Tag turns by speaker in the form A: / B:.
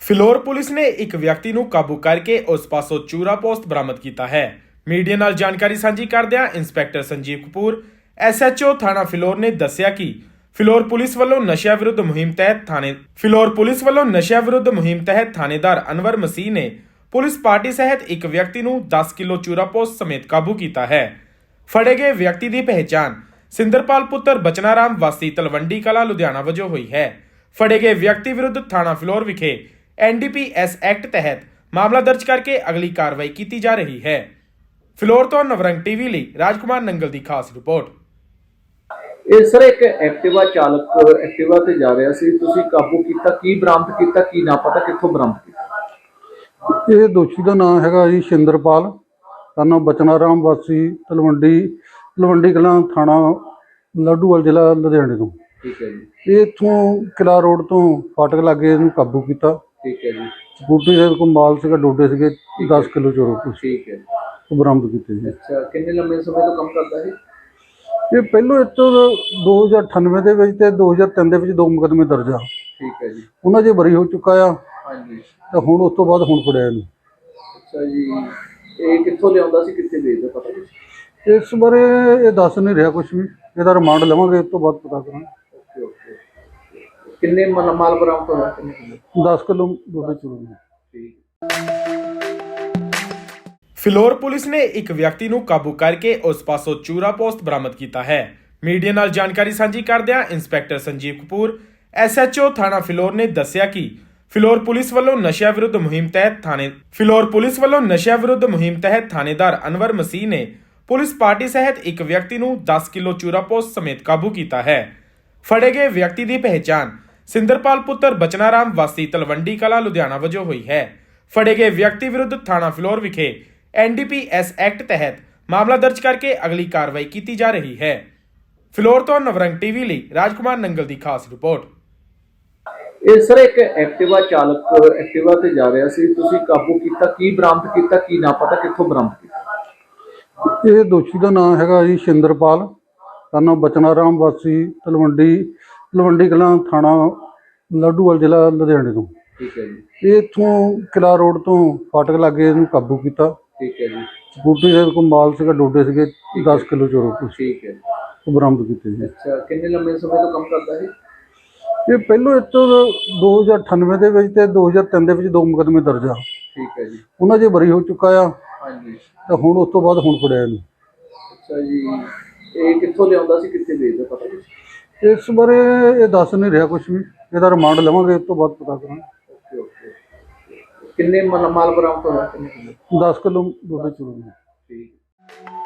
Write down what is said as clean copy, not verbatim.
A: Phillaur police ਨੇ ਇੱਕ ਵਿਅਕਤੀ ਨੂੰ ਕਾਬੂ ਕਰਕੇ ਉਸ ਪਾਸੋਂ ਚੂਰਾ ਪੋਸਟ ਬਰਾਮਦ ਕੀਤਾ ਹੈ। ਮੀਡੀਆ ਨਾਲ ਜਾਣਕਾਰੀ ਸਾਂਝੀ ਕਰਦਿਆਂ ਇੰਸਪੈਕਟਰ ਸੰਜੀਵ ਕਪੂਰ SHO ਥਾਣਾ ਫਿਲੌਰ ਨੇ ਦੱਸਿਆ ਕਿ ਫਿਲੌਰ ਪੁਲਿਸ ਵੱਲੋਂ ਨਸ਼ਿਆਂ ਵਿਰੁੱਧ ਮੁਹਿੰਮ ਤਹਿਤ ਥਾਣੇਦਾਰ ਅਨਵਰ ਮਸੀਹ ਨੇ ਪੁਲਿਸ ਪਾਰਟੀ ਸਹਿਤ ਇੱਕ ਵਿਅਕਤੀ ਨੂੰ 10 ਕਿਲੋ ਚੂਰਾ ਪੋਸਟ ਸਮੇਤ ਕਾਬੂ ਕੀਤਾ ਹੈ। ਫੜੇ ਗਏ ਵਿਅਕਤੀ ਦੀ ਪਹਿਚਾਣ ਸਿੰਦਰਪਾਲ ਪੁੱਤਰ ਬਚਨਾਰਾਮ ਵਾਸੀ ਤਲਵੰਡੀ ਕਲਾਂ ਲੁਧਿਆਣਾ ਵਜੋਂ ਹੋਈ ਹੈ। ਫੜੇ ਗਏ ਵਿਅਕਤੀ ਵਿਰੁੱਧ ਥਾਣਾ ਫਿਲੌਰ ਵਿਖੇ NDPS ਐਕਟ ਤਹਿਤ ਮਾਮਲਾ ਦਰਜ ਕਰਕੇ ਅਗਲੀ ਕਾਰਵਾਈ ਕੀਤੀ ਜਾ ਰਹੀ ਹੈ। ਫਿਲੌਰ ਤੋਂ ਨਵਰੰਗ ਟੀਵੀ ਲਈ ਰਾਜਕੁਮਾਰ ਨੰਗਲ ਦੀ ਖਾਸ ਰਿਪੋਰਟ।
B: ਇਹ ਸਰ ਇੱਕ ਐਕਟਿਵਾ ਚਾਲਕ ਐਕਟਿਵਾ ਤੇ ਜਾ ਰਿਹਾ ਸੀ, ਤੁਸੀਂ ਕਾਬੂ ਕੀਤਾ, ਕੀ ਬਰਾਮਦ ਕੀਤਾ, ਕੀ ਨਾ ਪਤਾ ਕਿੱਥੋਂ ਬਰਾਮਦ ਕੀਤਾ?
C: ਇਹ ਦੋਸ਼ੀ ਦਾ ਨਾਮ ਹੈਗਾ ਜੀ ਸਿੰਦਰਪਾਲ, ਸਾਨੂੰ ਬਚਨਾਰਾਮ ਵਾਸੀ ਤਲਵੰਡੀ ਕਲਾਂ ਥਾਣਾ ਲੱਡੂਵਾਲ ਜ਼ਿਲ੍ਹਾ ਲੁਧਿਆਣੇ ਤੋਂ।
B: ਠੀਕ ਹੈ ਜੀ।
C: ਇਹ ਇੱਥੋਂ ਕਿਲਾ ਰੋਡ ਤੋਂ ਫਾਟਕ ਲਾਗੇ ਇਹਨੂੰ ਕਾਬੂ ਕੀਤਾ।
B: ਠੀਕ ਹੈ ਜੀ।
C: ਸਕੂਟਰੀ ਦੇ ਕੋਲ ਮਾਲ ਸੀਗਾ, ਡੋਡੇ ਸੀਗੇ 10 ਕਿਲੋ ਚੋਰੋ
B: ਠੀਕ ਹੈ।
C: ਉਹ ਬਰਾਮਦ ਕੀਤੇ ਜੀ।
B: ਅੱਛਾ, ਕਿੰਨੇ ਲੰਮੇ ਸਮੇਂ ਤੋਂ ਕੰਮ ਕਰਦਾ ਹੈ?
C: ਇਹ ਪਹਿਲੋਂ ਇੱਥੋਂ 2098 ਦੇ ਵਿੱਚ ਤੇ 2003 ਦੇ ਵਿੱਚ 2 ਮੁਕੱਦਮੇ ਦਰਜ ਆ।
B: ਠੀਕ ਹੈ ਜੀ।
C: ਉਹਨਾਂ 'ਚ ਬਰੀ ਹੋ ਚੁੱਕਾ ਆ।
B: ਹਾਂਜੀ।
C: ਤੇ ਹੁਣ ਉਸ ਤੋਂ ਬਾਅਦ ਹੁਣ ਫੜਿਆ ਇਹਨੂੰ।
B: ਅੱਛਾ ਜੀ, ਇਹ ਕਿੱਥੋਂ ਲਿਆਉਂਦਾ ਸੀ, ਕਿੱਥੇ ਵੇਚਦਾ, ਪਤਾ ਕੁਛ?
C: ਇਸ ਬਾਰੇ ਇਹ ਦੱਸ ਨਹੀਂ ਰਿਹਾ ਕੁਝ ਵੀ, ਇਹਦਾ ਰਿਮਾਂਡ ਲਵਾਂਗੇ, ਉਸ ਤੋਂ ਬਾਅਦ ਪਤਾ ਕਰਾਂਗੇ।
B: Okay okay. ਕਿੰਨੇ ਮਾਲ ਬਰਾਮਦ ਹੋਇਆ? ਕਿੰਨੇ?
C: 10 ਕਿਲੋ ਡੋਡੇ ਚੋਰੀ।
B: ਠੀਕ।
A: ਫਿਲੌਰ ਪੁਲਿਸ ਨੇ ਇੱਕ ਵਿਅਕਤੀ ਨੂੰ ਕਾਬੂ ਕਰਕੇ ਉਸ ਪਾਸੋਂ ਚੂਰਾ ਪੋਸਟ ਬਰਾਮਦ ਕੀਤਾ ਹੈ। ਮੀਡੀਆ ਨਾਲ ਜਾਣਕਾਰੀ ਸਾਂਝੀ ਕਰਦਿਆਂ ਇੰਸਪੈਕਟਰ ਸੰਜੀਵ ਕਪੂਰ SHO ਥਾਣਾ ਫਿਲੌਰ ਨੇ ਦੱਸਿਆ ਕਿ ਫਿਲੌਰ ਪੁਲਿਸ ਵੱਲੋਂ ਨਸ਼ਿਆਂ ਵਿਰੁੱਧ ਮੁਹਿੰਮ ਤਹਿਤ ਥਾਣੇਦਾਰ ਅਨਵਰ ਮਸੀਹ ਨੇ ਪੁਲਿਸ ਪਾਰਟੀ ਸਹਿਤ ਇੱਕ ਵਿਅਕਤੀ ਨੂੰ 10 ਕਿਲੋ ਚੂਰਾ ਪੋਸਟ ਸਮੇਤ ਕਾਬੂ ਕੀਤਾ ਹੈ। ਫੜੇ ਗਏ ਵਿਅਕਤੀ ਦੀ ਪਹਿਚਾਣ ਸਿੰਦਰਪਾਲ ਪੁੱਤਰ ਬਚਨਾਰਾਮ ਵਾਸੀ ਤਲਵੰਡੀ ਕਲਾਂ ਲੁਧਿਆਣਾ ਵਜੋਂ ਹੋਈ ਹੈ। ਫੜੇ ਗਏ ਵਿਅਕਤੀ ਵਿਰੁੱਧ ਥਾਣਾ ਫਿਲੌਰ ਵਿਖੇ NDPS ਐਕਟ ਤਹਿਤ ਮਾਮਲਾ ਦਰਜ ਕਰਕੇ ਅਗਲੀ ਕਾਰਵਾਈ ਕੀਤੀ ਜਾ ਰਹੀ ਹੈ। ਫਿਲੌਰ ਤੋਂ ਨਵਰੰਗ ਟੀਵੀ ਲਈ ਰਾਜਕੁਮਾਰ ਨੰਗਲ ਦੀ ਖਾਸ ਰਿਪੋਰਟ।
B: ਇਹ ਸਰ ਇੱਕ ਐਕਟਿਵਾ ਚਾਲਕ ਐਕਟਿਵਾ ਤੇ ਜਾ ਰਿਹਾ ਸੀ, ਤੁਸੀਂ ਕਾਬੂ ਕੀਤਾ, ਕੀ ਬਰਾਮਦ ਕੀਤਾ, ਕੀ ਨਾ ਪਤਾ ਕਿੱਥੋਂ ਬਰਾਮਦ ਕੀਤਾ?
C: ਇਹ ਦੋਸ਼ੀ ਦਾ ਨਾਮ ਹੈਗਾ ਜੀ ਸਿੰਦਰਪਾਲ, ਸਾਨੂੰ ਬਚਨਾਰਾਮ ਵਾਸੀ ਤਲਵੰਡੀ ਕਲਾਂ ਥਾਣਾ ਲੱਡੂਵਾਲ ਜ਼ਿਲ੍ਹਾ ਲੁਧਿਆਣੇ ਤੋਂ।
B: ਠੀਕ ਹੈ ਜੀ।
C: ਇਹ ਇੱਥੋਂ ਕਿਲਾ ਰੋਡ ਤੋਂ ਫਾਟਕ ਲਾਗੇ ਇਹਨੂੰ ਕਾਬੂ ਕੀਤਾ।
B: ਠੀਕ ਹੈ ਜੀ।
C: ਸਕੂਟਰੀ ਦੇ ਕੋਲ ਮਾਲ ਸੀਗਾ, ਡੋਡੇ ਸੀਗੇ 10 ਕਿਲੋ ਚੋਰੋ।
B: ਠੀਕ ਹੈ।
C: ਉਹ ਬਰਾਮਦ ਕੀਤੇ ਜੀ।
B: ਅੱਛਾ, ਕਿੰਨੇ ਲੰਮੇ ਸਮੇਂ ਤੋਂ ਕੰਮ ਕਰਦਾ ਹੈ?
C: ਇਹ ਪਹਿਲੋਂ ਇੱਥੋਂ 2098 ਦੇ ਵਿੱਚ ਤੇ 2003 ਦੇ ਵਿੱਚ 2 ਮੁਕੱਦਮੇ ਦਰਜ ਆ।
B: ਠੀਕ ਹੈ ਜੀ।
C: ਉਹਨਾਂ 'ਚ ਬਰੀ ਹੋ ਚੁੱਕਾ ਆ।
B: ਹਾਂਜੀ।
C: ਤੇ ਹੁਣ ਉਸ ਤੋਂ ਬਾਅਦ ਹੁਣ ਫੜਿਆ ਇਹਨੂੰ।
B: ਅੱਛਾ ਜੀ, ਇਹ ਕਿੱਥੋਂ ਲਿਆਉਂਦਾ ਸੀ, ਕਿੱਥੇ ਵੇਚਦਾ, ਪਤਾ ਕੁਛ?
C: ਇਸ ਬਾਰੇ ਇਹ ਦੱਸ ਨਹੀਂ ਰਿਹਾ ਕੁਝ ਵੀ, ਇਹਦਾ ਰਿਮਾਂਡ ਲਵਾਂਗੇ, ਉਸ ਤੋਂ ਬਾਅਦ ਪਤਾ ਕਰਾਂਗੇ।
B: Okay okay. ਕਿੰਨੇ ਮਾਲ ਬਰਾਮਦ ਹੋਇਆ? ਕਿੰਨੇ?
C: 10 ਕਿਲੋ ਡੋਡੇ ਚੋਰੀ।
B: ਠੀਕ।